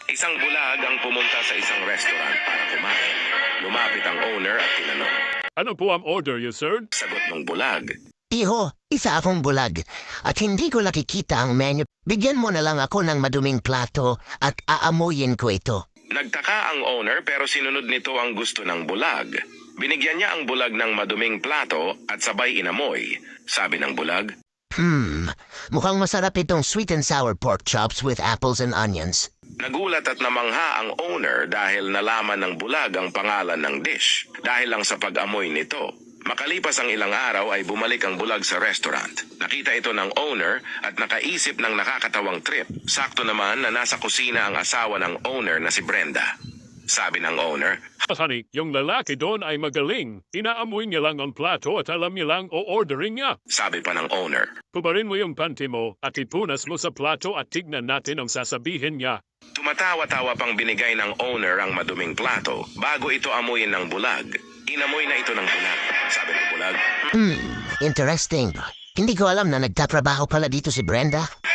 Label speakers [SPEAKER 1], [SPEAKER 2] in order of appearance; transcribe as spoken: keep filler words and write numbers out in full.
[SPEAKER 1] Isang bulag ang pumunta sa isang restaurant para kumain. Lumapit ang owner at tinanong.
[SPEAKER 2] Ano po ang order you, sir?
[SPEAKER 1] Sagot ng bulag.
[SPEAKER 3] Iho, isa akong bulag at hindi ko nakikita ang menu. Bigyan mo na lang ako ng maduming plato at aamuyin ko ito.
[SPEAKER 1] Nagtaka ang owner pero sinunod nito ang gusto ng bulag. Binigyan niya ang bulag ng maduming plato at sabay inamoy. Sabi ng bulag.
[SPEAKER 3] Hmm, mukhang masarap itong sweet and sour pork chops with apples and onions.
[SPEAKER 1] Nagulat at namangha ang owner dahil nalaman ng bulag ang pangalan ng dish. Dahil lang sa pag-amoy nito. Makalipas ang ilang araw ay bumalik ang bulag sa restaurant. Nakita ito ng owner at nakaisip ng nakakatawang trip. Sakto naman na nasa kusina ang asawa ng owner na si Brenda. Sabi ng owner,
[SPEAKER 2] Honey, yung lalaki doon ay magaling. Inaamoy niya lang ang plato at alam niya lang o ordering niya.
[SPEAKER 1] sabi pa ng owner.
[SPEAKER 2] Pubarin mo yung panty mo at ipunas mo sa plato at tignan natin ang sasabihin niya.
[SPEAKER 1] Tumatawa-tawa pang binigay ng owner ang maduming plato bago ito amuyin ng bulag. Inamoy na ito ng bulag. Sabi ng bulag.
[SPEAKER 3] Hmm, interesting. Hindi ko alam na nagtatrabaho pala dito si Brenda.